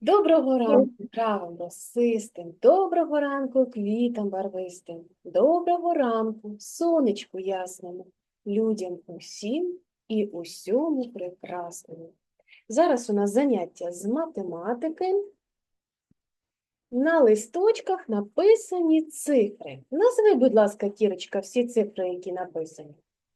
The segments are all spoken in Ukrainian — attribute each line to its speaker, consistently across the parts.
Speaker 1: Доброго ранку травам росистим, доброго ранку квітам барвистим, доброго ранку сонечку ясному, людям усім і усьому прекрасному. Зараз у нас заняття з математики. На листочках написані цифри. Назви, будь ласка, Кірочка, всі цифри, які написані.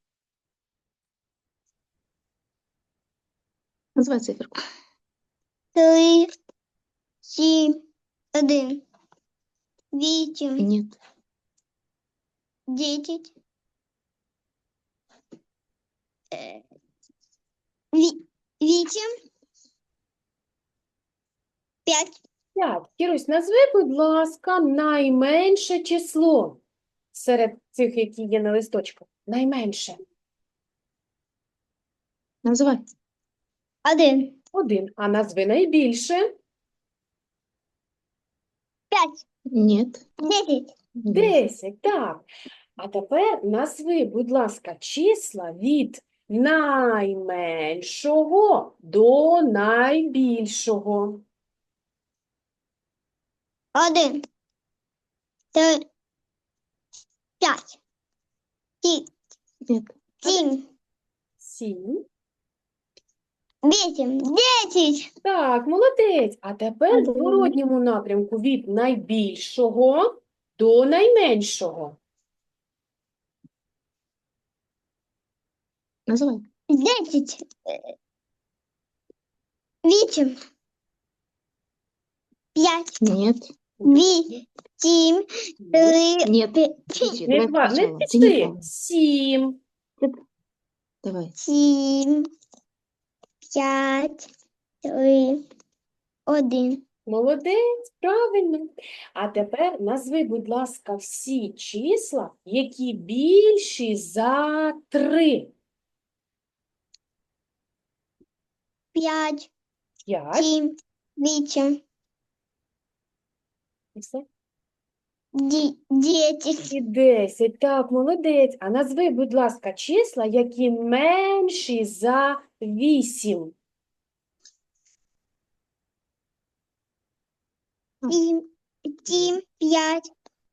Speaker 2: Называй циферку.
Speaker 3: 3, 7, 1, 8,
Speaker 2: Нет.
Speaker 3: 10, 8, 5,
Speaker 1: 5. Кірусь, назви, будь ласка, найменше число серед цих, які є на листочку. Найменше.
Speaker 2: Называй.
Speaker 3: 1,
Speaker 1: 1. А назви найбільше.
Speaker 3: 5,
Speaker 2: Нет.
Speaker 3: 10,
Speaker 1: 10. Так. А тепер назви, будь ласка, числа від найменшого до найбільшого.
Speaker 3: 1, 3, 5, 6,
Speaker 2: Нет.
Speaker 3: 7,
Speaker 1: 7.
Speaker 3: 8, 10,
Speaker 1: Так, молодець. А тепер в зворотньому напрямку від найбільшого до найменшого.
Speaker 2: Называй.
Speaker 3: 10, 8, 5,
Speaker 2: Нет.
Speaker 3: 8, 3,
Speaker 2: Нет.
Speaker 3: 5,
Speaker 2: Подожди,
Speaker 1: Не
Speaker 2: давай
Speaker 1: не
Speaker 2: сначала. Ты
Speaker 1: пиши.
Speaker 2: неправильно.
Speaker 1: 7.
Speaker 2: Давай.
Speaker 3: 7, 5, 3, 1.
Speaker 1: Молодець, правильно. А тепер назви, будь ласка, всі числа, які більші за 3.
Speaker 3: 5,
Speaker 1: 5.
Speaker 3: 7, 8,
Speaker 1: І все.
Speaker 3: 10,
Speaker 1: І 10. Так, молодець. А назви, будь ласка, числа, які менші за 8.
Speaker 3: 7, 5,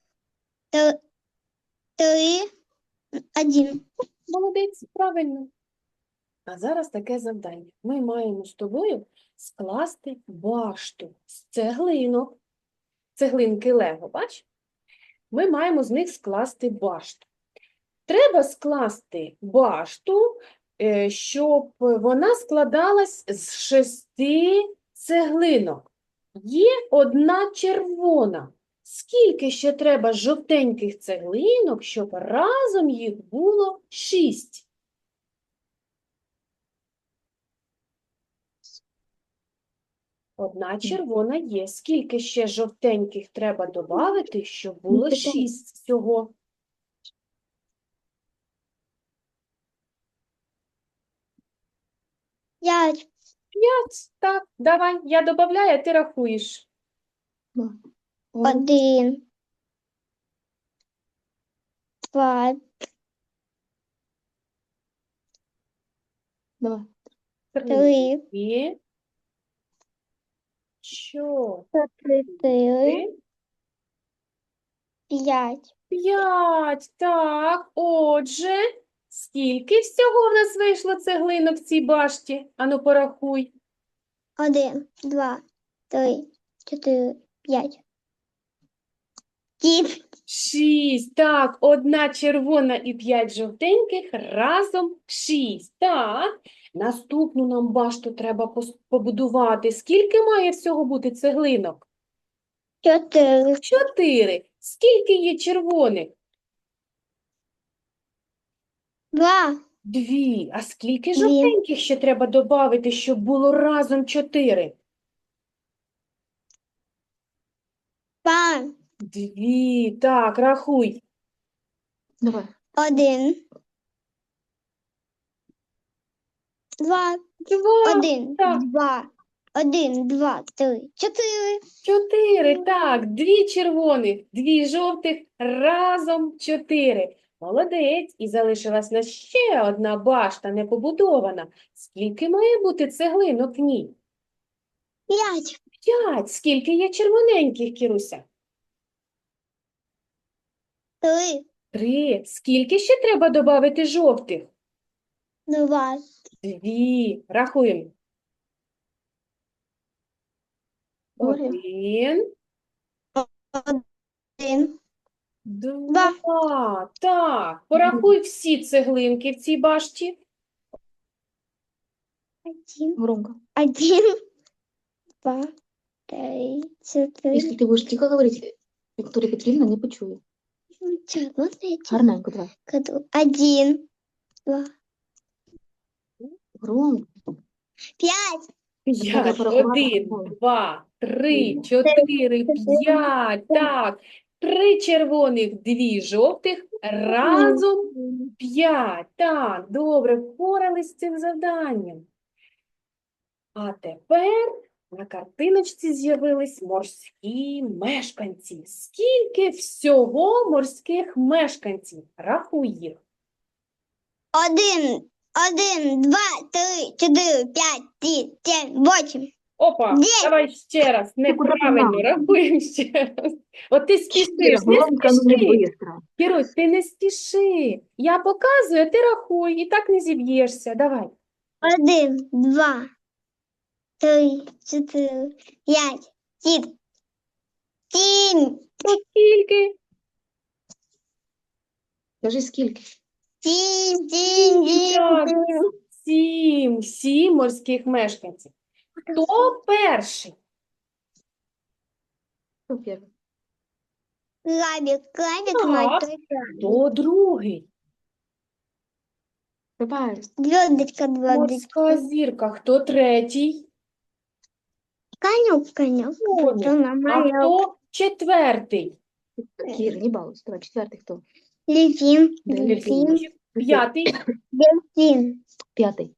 Speaker 3: 3, 1.
Speaker 1: Молодець, правильно. А зараз таке завдання. Ми маємо з тобою скласти башту з цеглинок. Цеглинки Лего, бач? Ми маємо з них скласти башту. Треба скласти башту, щоб вона складалась з 6 цеглинок. Є одна червона. Скільки ще треба жовтеньких цеглинок, щоб разом їх було 6? Одна червона є. Скільки ще жовтеньких треба додати, щоб було 6 всього?
Speaker 3: 5,
Speaker 1: 5. Так, давай, я додаю, а ти рахуєш.
Speaker 3: 1, 2,
Speaker 2: Давай.
Speaker 3: 3,
Speaker 1: 3, 4,
Speaker 3: 4, 5,
Speaker 1: 5. Так, отже, скільки всього в нас вийшло цеглинок в цій башті? Ану, порахуй.
Speaker 3: 1, 2, 3, 4, 5. 7,
Speaker 1: 6. Так, одна червона і 5 жовтеньких, разом 6. Так, наступну нам башту треба побудувати. Скільки має всього бути цеглинок?
Speaker 3: 4,
Speaker 1: 4. Скільки є червоних?
Speaker 3: 2,
Speaker 1: 2. А скільки
Speaker 3: Дві.
Speaker 1: жовтеньких ще треба додати, щоб було разом 4?
Speaker 3: 2,
Speaker 1: 2. Так, рахуй.
Speaker 2: Давай.
Speaker 3: 1, 2,
Speaker 1: 2.
Speaker 3: 1,
Speaker 1: так.
Speaker 3: 2, 1, 2, 3, 4.
Speaker 1: 4. Так, 2 червоних, 2 жовтих, разом 4. Молодець. І залишилась на ще одна башта не побудована. Скільки має бути цеглинок в ній?
Speaker 3: 5,
Speaker 1: 5. Скільки є червоненьких, Кіруся?
Speaker 3: 3,
Speaker 1: 3. Скільки ще треба додати жовтих?
Speaker 3: 2,
Speaker 1: 2. Рахуємо.
Speaker 2: Боря.
Speaker 1: 1,
Speaker 3: 1,
Speaker 1: 2. Так, порахуй всі цеглинки в цій башті.
Speaker 3: 1,
Speaker 2: Громко.
Speaker 3: 1, 2, 3, 4,
Speaker 2: Если ты будешь тихо говорить, Виктория Петровна не почує.
Speaker 3: 5,
Speaker 2: Гарненько, давай.
Speaker 3: 1, 2,
Speaker 2: Громко.
Speaker 3: 5,
Speaker 1: 5.
Speaker 2: порахувати
Speaker 1: 1,
Speaker 2: голову.
Speaker 1: 2, 3, 4, 5. Так, 3 червоних, 2 жовтих, разом 5. Так, добре, впорались з цим завданням. А тепер на картиночці з'явились морські мешканці. Скільки всього морських мешканців? Рахуй їх.
Speaker 3: 1, 2, 3, 4, 5, 6, 7, 8.
Speaker 1: Опа,
Speaker 3: Де?
Speaker 1: давай ще раз. Неправильно,
Speaker 2: знала?
Speaker 1: рахуємо ще раз. От ти спішиш, не
Speaker 2: Громко, но не
Speaker 1: спіши.
Speaker 2: быстро.
Speaker 1: Кірусь, ти не спіши. Я показую, а ти рахуй, і так не зіб'єшся. Давай.
Speaker 3: 1, 2, 3, 4, 5, 6, 7,
Speaker 1: Ну, скільки?
Speaker 2: Скажи, скільки?
Speaker 3: 7, 7, 7,
Speaker 1: 7. 7 морських мешканців. Хто перший?
Speaker 2: Хто перший?
Speaker 3: Крабик,
Speaker 1: Так.
Speaker 3: мой
Speaker 1: Хто другий?
Speaker 2: Давай.
Speaker 3: звездочка,
Speaker 1: Морська зірка. Хто третій?
Speaker 3: конек,
Speaker 1: Конюк.
Speaker 3: вот она
Speaker 1: А
Speaker 3: моя.
Speaker 1: хто четвертий?
Speaker 2: Кира, не балуйся. Давай, четвертий хто?
Speaker 3: Дельфин,
Speaker 2: Дельфин.
Speaker 3: дельфин,
Speaker 1: П'ятий?
Speaker 3: дельфин.
Speaker 2: П'ятий.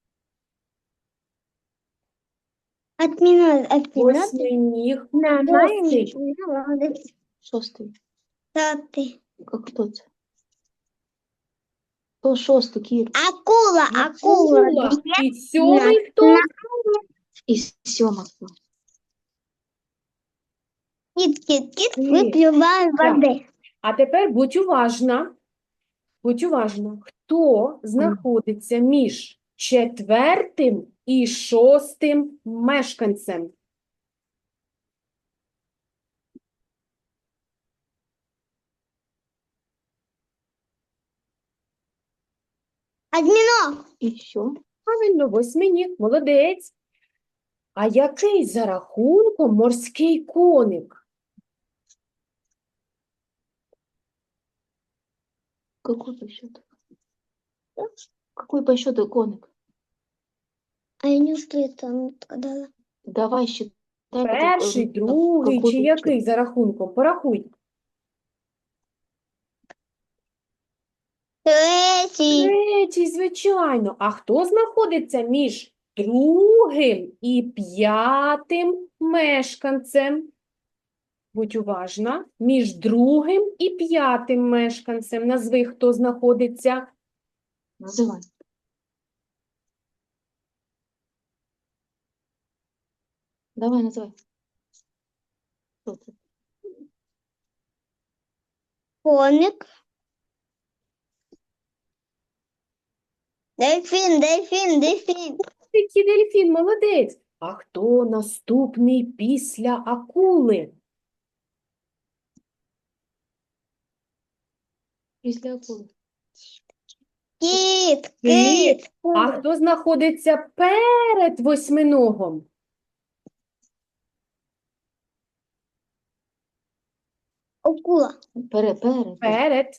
Speaker 3: Отмена.
Speaker 1: Восьминіг.
Speaker 3: Нормально.
Speaker 1: Шостий.
Speaker 2: Шостий.
Speaker 3: Пятый.
Speaker 2: Хто це? Хто шостий, Кір?
Speaker 3: Акула.
Speaker 1: Акула. І сьомий хто?
Speaker 2: І сьома хто?
Speaker 3: Кит,
Speaker 1: Кит.
Speaker 3: выпиваем
Speaker 1: Так.
Speaker 3: воды.
Speaker 1: А тепер будь уважна. Будь уважна. Хто знаходиться між четвертим і шостим мешканцем?
Speaker 3: Осьминог.
Speaker 2: І що?
Speaker 1: Правильно, восьминіг. Молодець. А який за рахунком морський коник?
Speaker 2: Какой по счету? Какой по счету коник?
Speaker 3: А я не успею там сказала.
Speaker 2: Давай считай.
Speaker 1: Перший, другий чи який за рахунком? Порахуй.
Speaker 3: Третий.
Speaker 1: Третій, звичайно. А хто знаходиться між другим і п'ятим мешканцем? Будь уважна. Між другим і п'ятим мешканцем. Назви, хто знаходиться.
Speaker 2: Називай. Давай, називай. Хто це?
Speaker 3: Коник. Дельфин.
Speaker 1: Який дельфін, молодець. А хто наступний після акули?
Speaker 2: Після акули.
Speaker 3: Кит.
Speaker 1: А хто знаходиться перед восьминогом?
Speaker 3: Акула.
Speaker 2: Перед.
Speaker 1: Перед.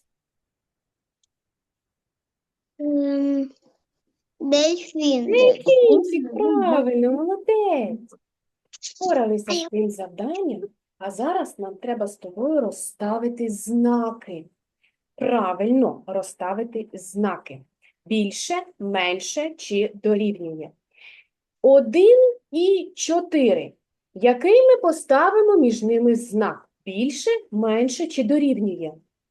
Speaker 3: Дельфин.
Speaker 1: Дельфінчик, правильно, молодець. Впоралися з цим завданням, а зараз нам треба з тобою розставити знаки. Правильно розставити знаки. Більше, менше чи дорівнює. 1 і 4. Який ми поставимо між ними знак? Більше, менше чи дорівнює?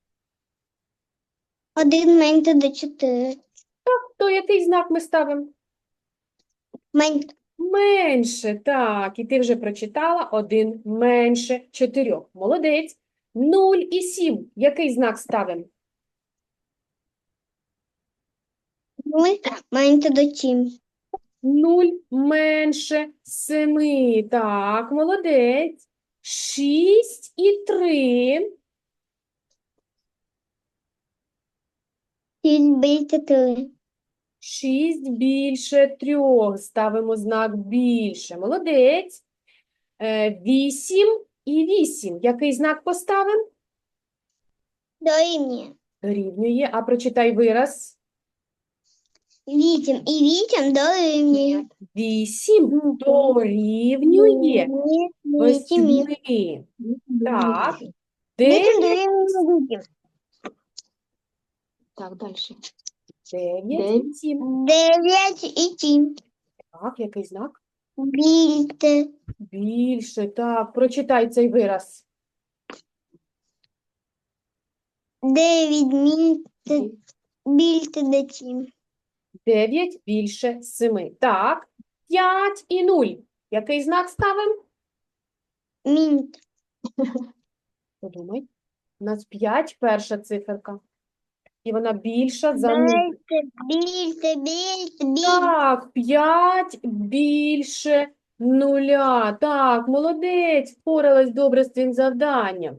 Speaker 3: 1 менше до 4.
Speaker 1: То який знак ми ставимо? Менше, так. І ти вже прочитала 1 менше 4. Молодець. 0 і 7. Який знак ставимо?
Speaker 3: Ми маєте до чим.
Speaker 1: 0 менше 7. Так, молодець. 6 і 3.
Speaker 3: 6 більше 3.
Speaker 1: 6 більше 3. Ставимо знак більше. Молодець. 8 і 8. Який знак поставимо?
Speaker 3: Дорівнює.
Speaker 1: Дорівнює. А прочитай вираз.
Speaker 3: 8 і 8 дорівнює.
Speaker 1: 8 дорівнює
Speaker 3: 8.
Speaker 1: 8. Так.
Speaker 3: 8
Speaker 1: 9,
Speaker 3: дорівнює 8.
Speaker 2: Так, дальше.
Speaker 1: 9 і 7.
Speaker 3: 9 і 7.
Speaker 1: Так, який знак?
Speaker 3: Більше.
Speaker 1: Більше. Так, прочитай цей вираз.
Speaker 3: 9 більше до 7.
Speaker 1: 9 більше 7. Так. 5 і 0. Який знак ставимо?
Speaker 3: Мінус.
Speaker 1: Подумай. У нас 5 перша циферка. І вона більша за 0.
Speaker 3: Більше.
Speaker 1: Так, 5 більше 0. Так, молодець, впоралась добре з цим завданням.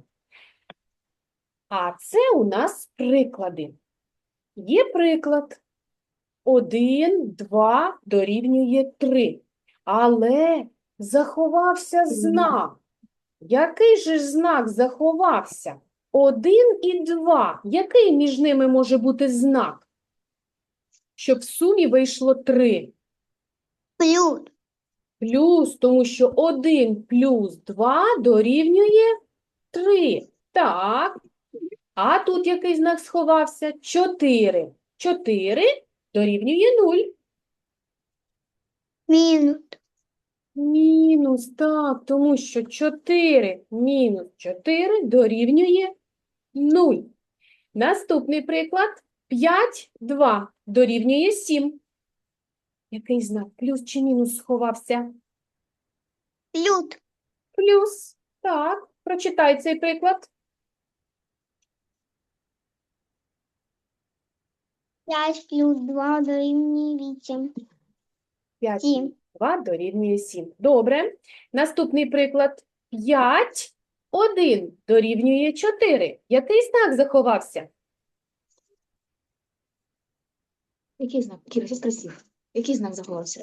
Speaker 1: А це у нас приклади. Є приклад. 1, 2 дорівнює 3. Але заховався знак. Який же ж знак заховався? 1 і 2. Який між ними може бути знак? Щоб в сумі вийшло 3.
Speaker 3: Плюс.
Speaker 1: Плюс, тому що 1 плюс 2 дорівнює 3. Так. А тут який знак сховався? 4. 4 дорівнює 0.
Speaker 3: Мінус.
Speaker 1: Мінус, так, тому що 4 мінус 4 дорівнює 0. Наступний приклад. 5, 2 дорівнює 7. Який знак? Плюс чи мінус сховався?
Speaker 3: Плюс.
Speaker 1: Плюс. Так, прочитай цей приклад.
Speaker 3: 5 плюс 2 дорівнює 8.
Speaker 1: 5
Speaker 3: 7.
Speaker 1: плюс 2 дорівнює 7. Добре. Наступний приклад. 5, 1 дорівнює 4. Який знак заховався?
Speaker 2: Який знак? Кіра, щось красив. Який знак заховався?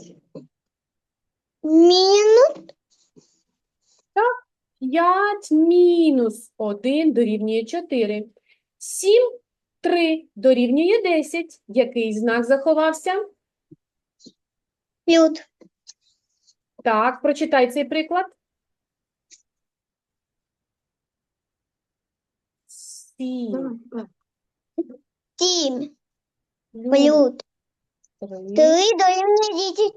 Speaker 3: Мінус.
Speaker 1: 5 мінус 1 дорівнює 4. 7, 3 дорівнює 10. Який знак заховався?
Speaker 3: Плюс.
Speaker 1: Так, прочитай цей приклад. 7
Speaker 2: Давай, давай.
Speaker 3: 7
Speaker 1: плюс
Speaker 3: плюс
Speaker 1: 3
Speaker 3: 3 дорівнює 10.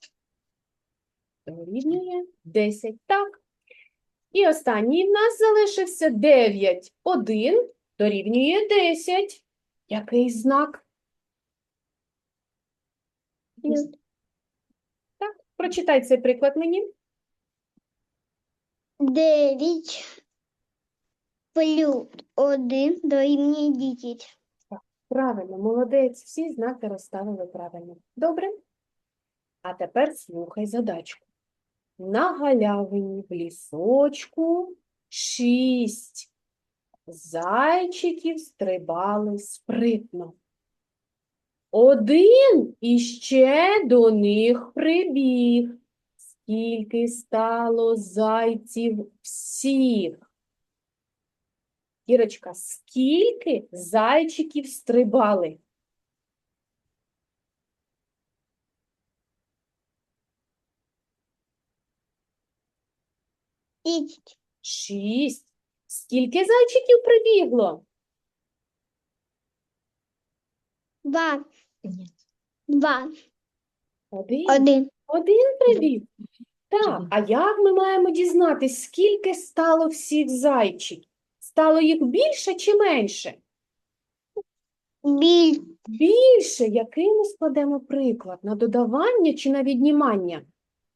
Speaker 1: дорівнює 10. Так. І останній в нас залишився 9. 1 дорівнює 10. Який знак?
Speaker 3: Плюс.
Speaker 1: Так, прочитай цей приклад мені.
Speaker 3: 9 плюс 1 дорівнює 10.
Speaker 1: Правильно, молодець. Всі знаки розставили правильно. Добре? А тепер слухай задачку. На галявині в лісочку 6 зайчиків стрибали спритно. 1 іще до них прибіг. Скільки стало зайців всіх? Ірочка, скільки зайчиків стрибали?
Speaker 3: 10.
Speaker 1: 6. Скільки зайчиків прибігло?
Speaker 3: 2.
Speaker 2: Ні.
Speaker 3: 2.
Speaker 1: 1.
Speaker 3: 1.
Speaker 1: 1 прибіг. Так,
Speaker 2: Один.
Speaker 1: а як ми маємо дізнатись, скільки стало всіх зайчиків? Стало їх більше чи менше? Більше. Який ми складемо приклад? На додавання чи на віднімання?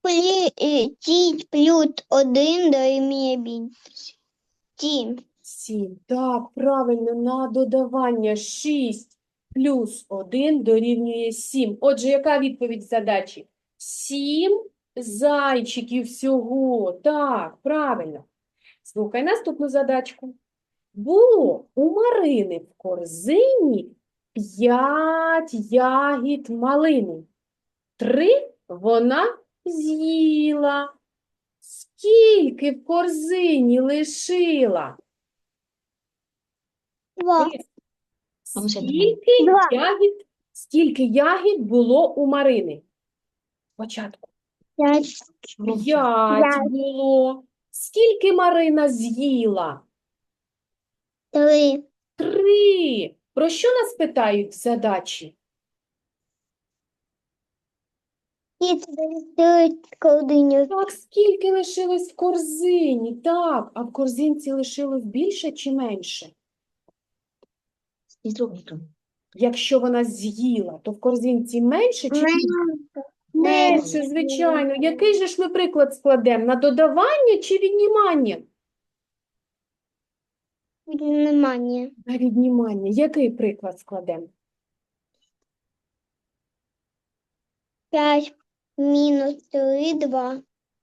Speaker 3: плюс 1 дорівнює 7.
Speaker 1: 7. Так, правильно, на додавання 6 плюс 1 дорівнює 7. Отже, яка відповідь задачі? 7 зайчиків всього. Так, правильно. Слухай наступну задачку. Було у Марини в корзині 5 ягід малини. 3 вона з'їла. Скільки в корзині лишила?
Speaker 3: 2.
Speaker 2: А ну, сядь на
Speaker 1: Скільки
Speaker 3: Два.
Speaker 1: ягід було у Марини? Спочатку
Speaker 3: 5.
Speaker 1: 5 було. Скільки Марина з'їла?
Speaker 3: 3.
Speaker 1: 3. Про що нас питають в задачі?
Speaker 3: І це колдиню.
Speaker 1: Так, скільки лишилось в корзині? Так, а в корзинці лишилось більше чи менше?
Speaker 2: Із трьохником.
Speaker 1: Якщо вона з'їла, то в корзинці менше чи більше? Менше, звичайно. Який же ж ми приклад складемо? На додавання чи віднімання?
Speaker 3: Внимание.
Speaker 1: На віднімання. Який приклад складемо?
Speaker 3: 5 мінус 3 2.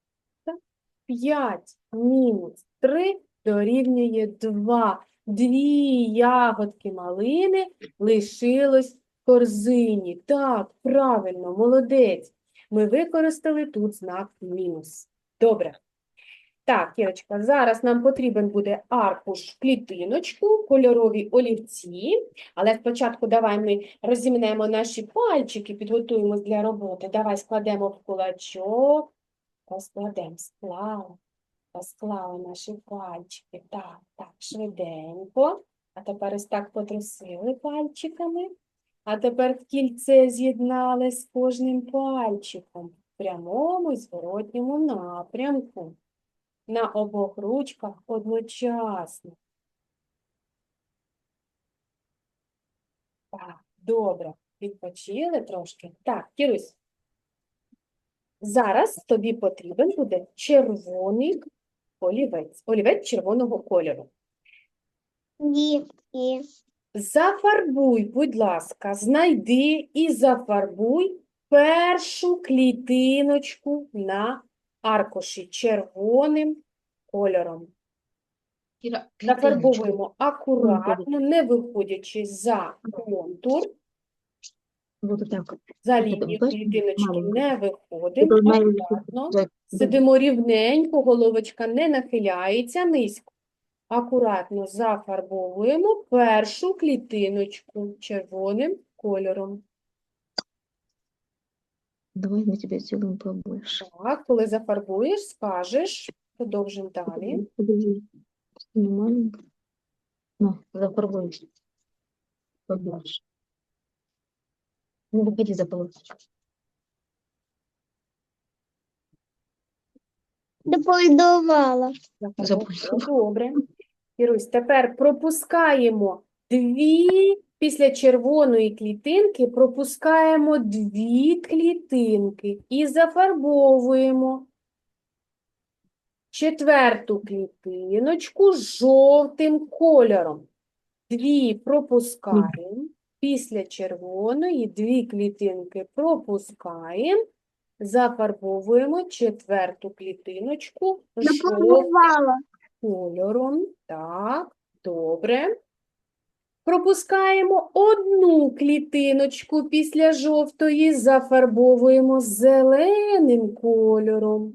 Speaker 1: 5 мінус 3 дорівнює 2. 2 ягодки малини лишилось в корзині. Так, правильно, молодець. Ми використали тут знак мінус. Добре. Так, Кірочка, зараз нам потрібен буде аркуш в клітиночку, кольорові олівці. Але спочатку давай ми розімнемо наші пальчики, підготуємось для роботи. Давай складемо в кулачок. Розкладемо, розклали наші пальчики. Так, так, швиденько. А тепер ось так потрусили пальчиками. А тепер в кільце з'єднали з кожним пальчиком в прямому і зворотньому напрямку. На обох ручках одночасно. Так, добре. Відпочили трошки. Так, Кірусь. Зараз тобі потрібен буде червоний олівець. Олівець червоного кольору.
Speaker 3: І.
Speaker 1: Зафарбуй, будь ласка, знайди і зафарбуй першу клітиночку на аркуші червоним кольором.
Speaker 2: Кіра, клітиночку.
Speaker 1: Зафарбовуємо акуратно, не виходячи за контур.
Speaker 2: Вот так.
Speaker 1: За
Speaker 2: Тут
Speaker 1: лінію
Speaker 2: бачиш,
Speaker 1: клітиночки
Speaker 2: маленька.
Speaker 1: не виходимо.
Speaker 2: Тут має
Speaker 1: Акуратно.
Speaker 2: бути-
Speaker 1: Сидимо рівненько, головочка не нахиляється низько. Акуратно зафарбовуємо першу клітиночку червоним кольором.
Speaker 2: Давай мы тебе сделаем побольше.
Speaker 1: Так, коли зафарбуєш, скажеш, продовжимо далі.
Speaker 2: Подожди. Ну, маленько. Ну, зафарбуем. Побольше. Не выходи за полосочку.
Speaker 3: Дополідувала.
Speaker 1: Зафарбувала. Добре. Ірусь, тепер пропускаємо після червоної клітинки пропускаємо 2 клітинки і зафарбовуємо 4-ту клітиночку жовтим кольором. 2 пропускаємо, після червоної 2 клітинки пропускаємо, зафарбовуємо 4-ту клітиночку жовтим кольором. Так, добре. Пропускаємо 1 клітиночку після жовтої, зафарбовуємо зеленим кольором.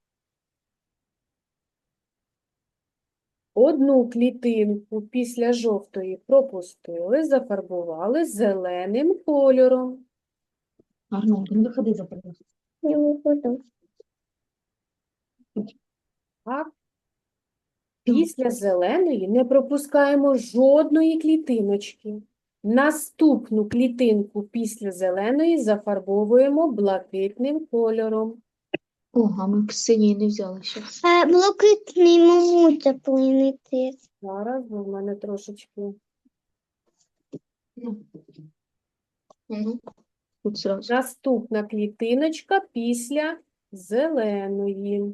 Speaker 1: 1 клітинку після жовтої пропустили, зафарбували зеленим кольором.
Speaker 2: Арно, не выходи за полосочку.
Speaker 3: Не виходу.
Speaker 1: Так. Після зеленої не пропускаємо жодної клітиночки. Наступну клітинку після зеленої зафарбовуємо блакитним кольором.
Speaker 2: О, а мы Ксении не взяли сейчас.
Speaker 3: Блакитний можуть заплинити.
Speaker 1: Зараз бо в мене трошечки.
Speaker 2: Ну, тут сразу.
Speaker 1: Наступна клітиночка після зеленої.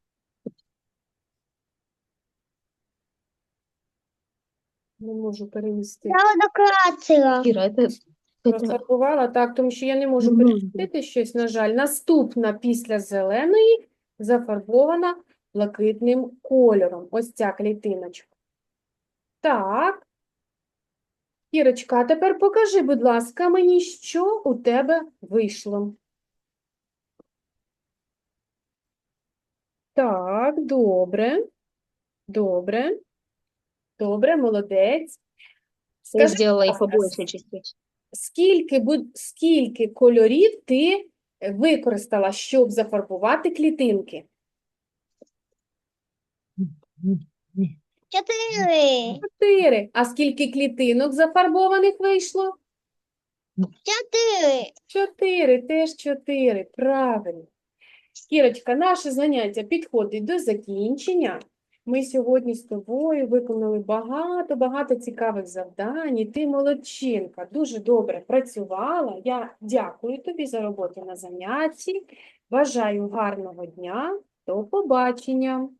Speaker 1: Не можу перевести.
Speaker 3: Я накрасила.
Speaker 2: Кира, это
Speaker 1: Розфарбувала, так, тому що я не можу
Speaker 2: Ну,
Speaker 1: перемістити щось, на жаль. Наступна після зеленої зафарбована блакитним кольором. Ось ця клітиночка. Так. Кірочка, а тепер покажи, будь ласка, мені, що у тебе вийшло. Так, добре. Добре. Добре, молодець.
Speaker 2: ты
Speaker 1: Скажи,
Speaker 2: сделала
Speaker 1: будь
Speaker 2: их
Speaker 1: ласка,
Speaker 2: побольше частично.
Speaker 1: скільки кольорів ти використала, щоб зафарбувати клітинки?
Speaker 3: 4.
Speaker 1: 4. А скільки клітинок зафарбованих вийшло?
Speaker 3: 4.
Speaker 1: 4, теж 4. Правильно. Кірочка, наше заняття підходить до закінчення. Ми сьогодні з тобою виконали багато цікавих завдань. І ти молодчинка, дуже добре працювала. Я дякую тобі за роботу на занятті. Бажаю гарного дня. До побачення.